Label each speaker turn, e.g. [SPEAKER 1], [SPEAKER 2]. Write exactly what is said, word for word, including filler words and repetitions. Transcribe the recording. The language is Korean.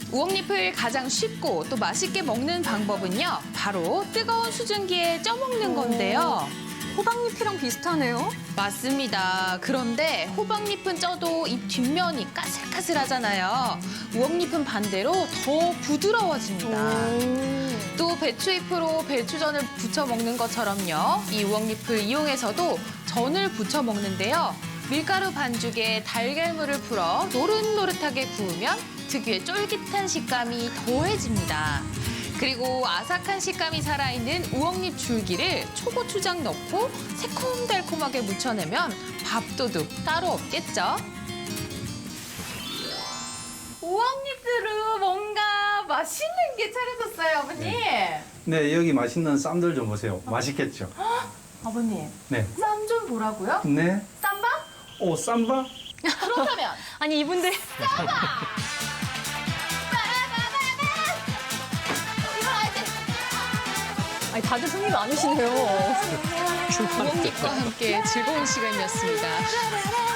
[SPEAKER 1] 우엉잎을 가장 쉽고 또 맛있게 먹는 방법은요. 바로 뜨거운 수증기에 쪄 먹는 건데요.
[SPEAKER 2] 호박잎이랑 비슷하네요.
[SPEAKER 1] 맞습니다. 그런데 호박잎은 쪄도 잎 뒷면이 까슬까슬하잖아요. 우엉잎은 반대로 더 부드러워집니다. 또 배추잎으로 배추전을 부쳐 먹는 것처럼요. 이 우엉잎을 이용해서도 전을 부쳐 먹는데요. 밀가루 반죽에 달걀물을 풀어 노릇노릇하게 구우면 특유의 쫄깃한 식감이 더해집니다. 그리고 아삭한 식감이 살아있는 우엉잎 줄기를 초고추장 넣고 새콤달콤하게 무쳐내면 밥도둑 따로 없겠죠? 우엉잎으로 뭔가 맛있는 게 차려졌어요, 아버님.
[SPEAKER 3] 네. 네, 여기 맛있는 쌈들 좀 보세요. 맛있겠죠?
[SPEAKER 1] 아버님,
[SPEAKER 3] 네.
[SPEAKER 1] 쌈 좀 보라고요?
[SPEAKER 3] 네.
[SPEAKER 1] 쌈밥?
[SPEAKER 3] 오, 쌈바?
[SPEAKER 1] 그렇다면
[SPEAKER 2] 아니 이분들 아니 다들 흥이 많으시네요.
[SPEAKER 1] 우엉잎과 함께 즐거운 시간이었습니다.